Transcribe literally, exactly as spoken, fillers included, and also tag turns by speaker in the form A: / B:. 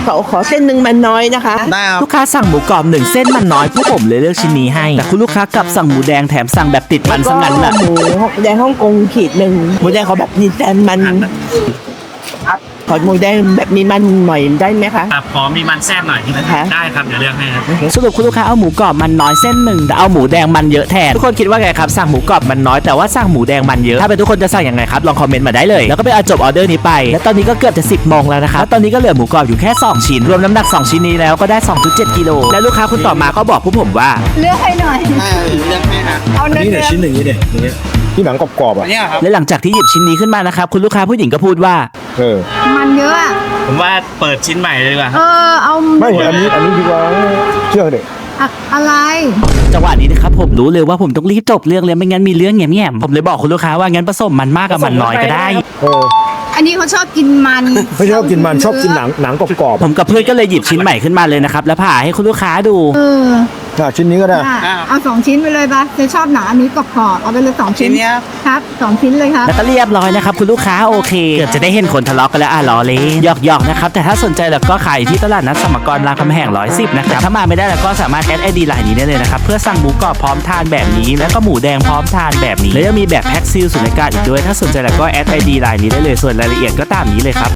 A: ขอขอเส้นหนึ่งมันน้อยนะคะ
B: ได้ครับ
C: ลูกค้าสั่งหมูกรอบหนึ่งเส้นมันน้อยพวกผมเลยเลือกชิ้นนี้ให้แต่คุณลูกค้ากลับสั่งหมูแดงแถมสั่งแบบติดมันซะงั้นน่ะ
A: หมูแดงฮ่องกงขีดหนึ่งหมูแดงเขาแบบมีแต่มันขอหมูแดงแบบมีมันหน่อยได้ไหมคะ
D: ครับขอมีมันแทรกหน่อย
A: นะคะ
D: ได้ครับเดี๋ยวเลือกให้ครับ
C: สรุปคุณลูกค้าเอาหมูกรอบมันน้อยเส้นหนึ่งแต่เอาหมูแดงมันเยอะแทนทุกคนคิดว่าไงครับสั่งหมูกรอบมันน้อยแต่ว่าสั่งหมูแดงมันเยอะถ้าเป็นทุกคนจะสั่งยังไงครับลองคอมเมนต์มาได้เลยแล้วก็ไปเอาจบออเดอร์นี้ไปและตอนนี้ก็เกือบจะสิบโมงแล้วนะครับแล้วตอนนี้ก็เหลือหมูกรอบอยู่แค่สองชิ้นรวมน้ำหนักสองชิ้นนี้แล้วก็ได้ สองจุดเจ็ด กิโลและลูกค้าคนต่อมาก็บอกพวกผมว่า
E: เลือกให้หน่อย
B: ได้เลือกให้ครับ
E: เอาเนื้อ
F: นี่เนี่ยชิ้นหนึ่งนี่เนี่ยอย่างเงี้ยที่หนังกรอบๆ
B: อั
F: อ่ะ
B: นนี้ครับ
C: และหลังจากที่หยิบชิ้นนี้ขึ้นมานะครับคุณลูกค้าผู้หญิงก็พูดว่า
F: เออ
E: มันเยอะอะ
D: ผมว่าเปิดชิ้นใหม่เลยดีกว่าค
E: เอ
D: รับ
E: อเอา
F: ไม่อันนี้อันนี้ดีกว่าเชื่อเด็ก
E: อะอะไร
C: จังหวะนี้นะครับผมรู้เลยว่าผมต้องรีบจบเรื่องเลยไม่งั้นมีเรื่องแง่ๆผมเลยบอกคุณลูกค้าว่างั้นผสมมันมากกับมันน้อยก็ได้
F: เออ
E: อันนี้เขาชอบกินมัน
F: ไม่ชอบกินมันชอบกินหนังหนังกรอบ
C: ผมกับเพื่อนก็เลยหยิบชิ้นใหม่ขึ้นมาเลยนะครับแล้วผ่าให้คุณลูกค้าดู
E: เออ
F: ๆอ่ะชิ้นนี้ก็ได้
E: อ่ะเอาสองชิ้นไปเลยปะเธอชอบหนาอันนี้กรอบๆเอาไปเลยสองชิ้
B: ชิ้
E: น
B: นเนี้ย
E: ครับสองชิ้นเลยครับ
C: แล้วก็เรียบร้อยนะครับคุณลูกค้าโอเคเกือบจะได้เห็นคนทะเลาะกันแล้วอ่ะล้อเล่นหยอกๆนะครับแต่ถ้าสนใจแล้วก็ขายที่ตลาดนัดสมกรรามคำแหงร้อยสิบนะครับถ้ามาไม่ได้แล้วก็สามารถแอดไอดีไลน์นี้ได้เลยนะครับเพื่อสั่งหมูกรอบพร้อมทานแบบนี้แล้วก็หมูแดงพร้อมทานแบบนี้แล้วยังมีแบบแพ็คซีลสุญญากาศอีกด้วยถ้าสนใจแล้วก็แอดไอดีไลน์นี้ได้เลยส่วนรายละเอียดก็ตามนี้เลยครับ